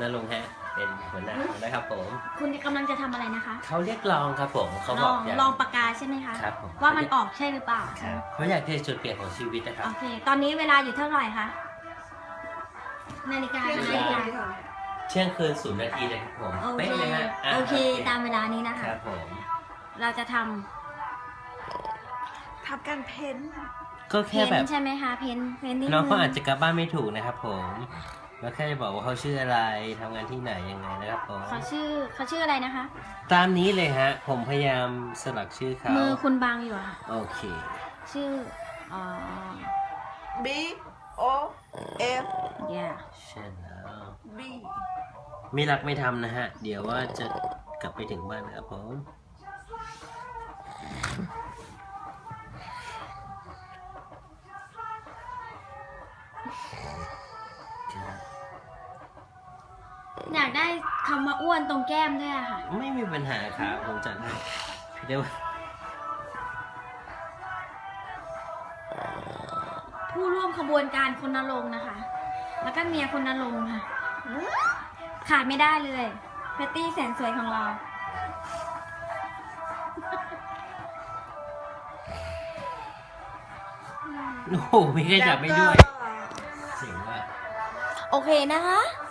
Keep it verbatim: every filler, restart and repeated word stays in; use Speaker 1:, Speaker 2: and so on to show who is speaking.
Speaker 1: นรงค์ฮะเป็นหัวหน้านะครับผม
Speaker 2: คุณกำลังจะทำอะไรนะคะ
Speaker 1: เขาเรียกลองครับผมเขา
Speaker 2: ล
Speaker 1: บอ
Speaker 2: อก ง
Speaker 1: อยาก
Speaker 2: ลองปากกาใช่ไหมคะ
Speaker 1: ครับผม
Speaker 2: ว่ามันออกใช่หรือเปล่า
Speaker 1: ครับเขาอยากจะจุดเปลี่ยนของชีวิตนะครับ
Speaker 2: โอเค ตอนนี้เวลาอยู่เท่าไหร่คะนาฬิกา
Speaker 1: เที่ยง
Speaker 2: นา
Speaker 1: คื
Speaker 2: ฬิ
Speaker 1: น
Speaker 2: กา
Speaker 1: เที่ยงคืนศูนย์นาทีเลยครับผม
Speaker 2: โอเค
Speaker 1: เป๊ะเลยฮะะ
Speaker 2: โอเคตามเวลานี้นะคะ
Speaker 1: ครับผม
Speaker 2: เราจะท
Speaker 3: ทำการเพ้นท์
Speaker 1: ก็
Speaker 2: ำ
Speaker 1: แค่
Speaker 2: เพ้น
Speaker 1: แบบ
Speaker 2: ใช่ไหมคะเพ้นเพ้นนิด
Speaker 1: น้องเขา
Speaker 2: นึ
Speaker 1: อาจจะกลับบ้านไม่ถูกนะครับผมแล้วแค่จะบอกว่าเขาชื่ออะไรทำงานที่ไหนยังไงนะครับผม
Speaker 2: เขาชื่อเขาชื่ออะไรนะคะ
Speaker 1: ตามนี้เลยฮะ ผมพยายามสลักชื่อเขา
Speaker 2: มือคุณบางอยู่อะค่ะ
Speaker 1: โอเค
Speaker 2: ชื่ออ๋อ
Speaker 3: B O F
Speaker 2: yeah
Speaker 1: ใช่แล้ว
Speaker 3: B
Speaker 1: ไม่รักไม่ทำนะฮะ เดี๋ยวว่าจะกลับไปถึงบ้านนะครับผม
Speaker 2: อยากได้คำว่าอ้วนตรงแก้มด้วยอะค่ะ
Speaker 1: ไม่มีปัญหาครับผมจัดให้เดี๋ยว
Speaker 2: ผู้ร่วมขบวนการคนนรงค์นะคะ แล้วก็เมียคนนรงค์ค่ะ ขาดไม่ได้เลยแพตตี้แสนสวยของเรา
Speaker 1: โอ้โหมีใครจับไม่ด้วย
Speaker 3: แล้วก็
Speaker 1: เสียงว่า
Speaker 2: โอเคนะคะ